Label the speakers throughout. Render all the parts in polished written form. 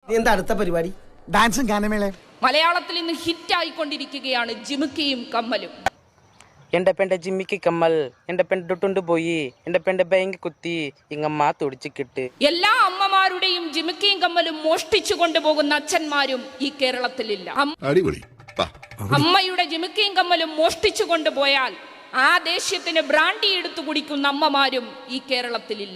Speaker 1: എന്താ അടുത്ത പരിപാടി?
Speaker 2: ഡാൻസും ഗാനമേളയും.
Speaker 3: മലയാളത്തിൽ ഇന്ന് ഹിറ്റായിക്കൊണ്ടിരിക്കുകയാണ് ജിമിക്കിയും കമ്മലും.
Speaker 4: എന്റെ പെണ്ടെ ജിമ്മിക്ക് കമ്മൽ, എന്റെ പെണ്ണിട്ടുണ്ട് പോയി, എന്റെ പെണ്ടെ ബാങ്ക് കുത്തി, ഇങ്ങമ്മ തുടിച്ചിട്ട്.
Speaker 3: എല്ലാ അമ്മമാരുടെയും ജിമിക്കിയും കമ്മലും മോഷ്ടിച്ചു കൊണ്ടുപോകുന്ന അച്ഛന്മാരും ഈ കേരളത്തിലില്ല. അമ്മയുടെ ജിമിക്കിയും കമ്മലും മോഷ്ടിച്ചു കൊണ്ടുപോയാൽ ആ ദേശത്തിന് ബ്രാൻഡി എടുത്തു കുടിക്കുന്ന അമ്മമാരും ഈ കേരളത്തിലില്ല.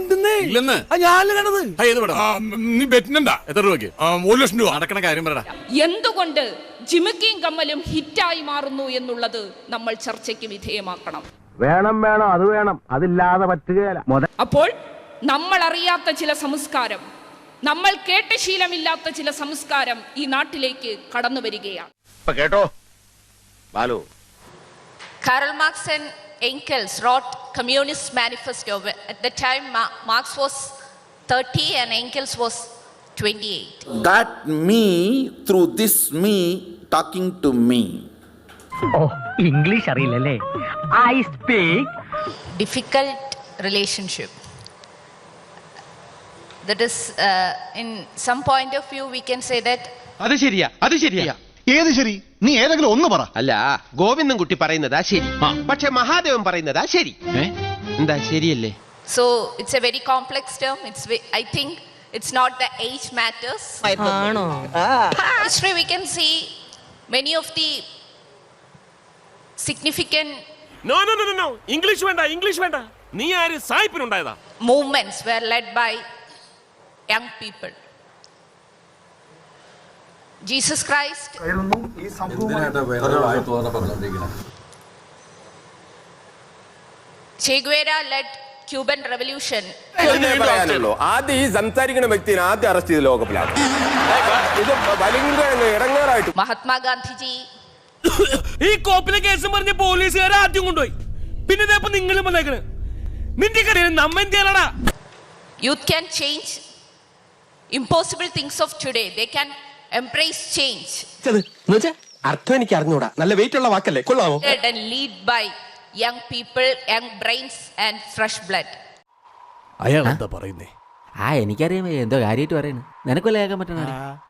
Speaker 3: എന്തുകൊണ്ട് ജിമിക്കിയും കമ്മലും ഹിറ്റായി മാറുന്നു എന്നുള്ളത് നമ്മൾ ചർച്ചയ്ക്ക് വിധേയമാക്കണം.
Speaker 5: വേണം അത് വേണം, അതില്ലാതെ പറ്റുകയില്ല.
Speaker 3: അപ്പോൾ നമ്മൾ അറിയാത്ത ചില സംസ്കാരം, നമ്മൾ കേട്ട ശീലമില്ലാത്ത ചില സംസ്കാരം ഈ നാട്ടിലേക്ക് കടന്നു വരികയാണ്.
Speaker 5: കേട്ടോ Balu,
Speaker 6: Karl Marx and Engels wrote Communist Manifesto. At the time, Marx was 30 and Engels was 28.
Speaker 7: That me, through this me, talking to me.
Speaker 8: Oh, English അറിയില്ലല്ലേ? I speak.
Speaker 6: Difficult relationship. That is, in some point of view, we can say that.
Speaker 9: അത് ശരിയാ.
Speaker 2: ഏത് ശരി? നീ ഏതെങ്കിലും ഒന്ന് പറ.
Speaker 9: അല്ല, ഗോവിന്ദൻ കുട്ടി പറയുന്നതാ ശരി, പക്ഷെ മഹാദേവൻ പറയുന്നതാ ശരി. എന്താ ശരിയല്ലേ?
Speaker 6: So it's a very complex term. I think it's not the age matters. History we can see many of the significant
Speaker 10: No. English വേണ്ട. നീ ആര് സായിപ്പിനുണ്ടായതാ?
Speaker 6: movements were led by young people. Jesus Christ. Che Guevara led Cuban Revolution.
Speaker 5: ആദ്യം ഈ സംസാരിക്കുന്ന വ്യക്തിനെ ആദ്യം arrest ചെയ്ത് ലോകപ്പിലാണ്. ഇത് ഇടങ്ങേറായിട്ട്.
Speaker 6: Mahatma Gandhi ji.
Speaker 10: ഈ കോപ്പിലെ കേസ് പറഞ്ഞ പോലീസുകാരെ ആദ്യം കൊണ്ടുപോയി, പിന്നെ നിങ്ങളും വന്നേക്കണ്. നിന്റെ കടയിൽ നമ്മ എന്തിയാലടാ?
Speaker 6: Youth can change impossible things of today. They can embrace change.
Speaker 9: അർത്ഥം എനിക്ക് അറിഞ്ഞൂടാ. നല്ല വെയിറ്റ് ഉള്ള വാക്കല്ലേ, കൊള്ളാമോ?
Speaker 6: And lead by young people, young brains and fresh blood.
Speaker 10: അയാൾ എന്താ പറയുന്നേ?
Speaker 8: എനിക്കറിയാം എന്തോ കാര്യമായിട്ട് പറയുന്നു. നിനക്കൊല്ലേ കേൾക്കാൻ പറ്റണ?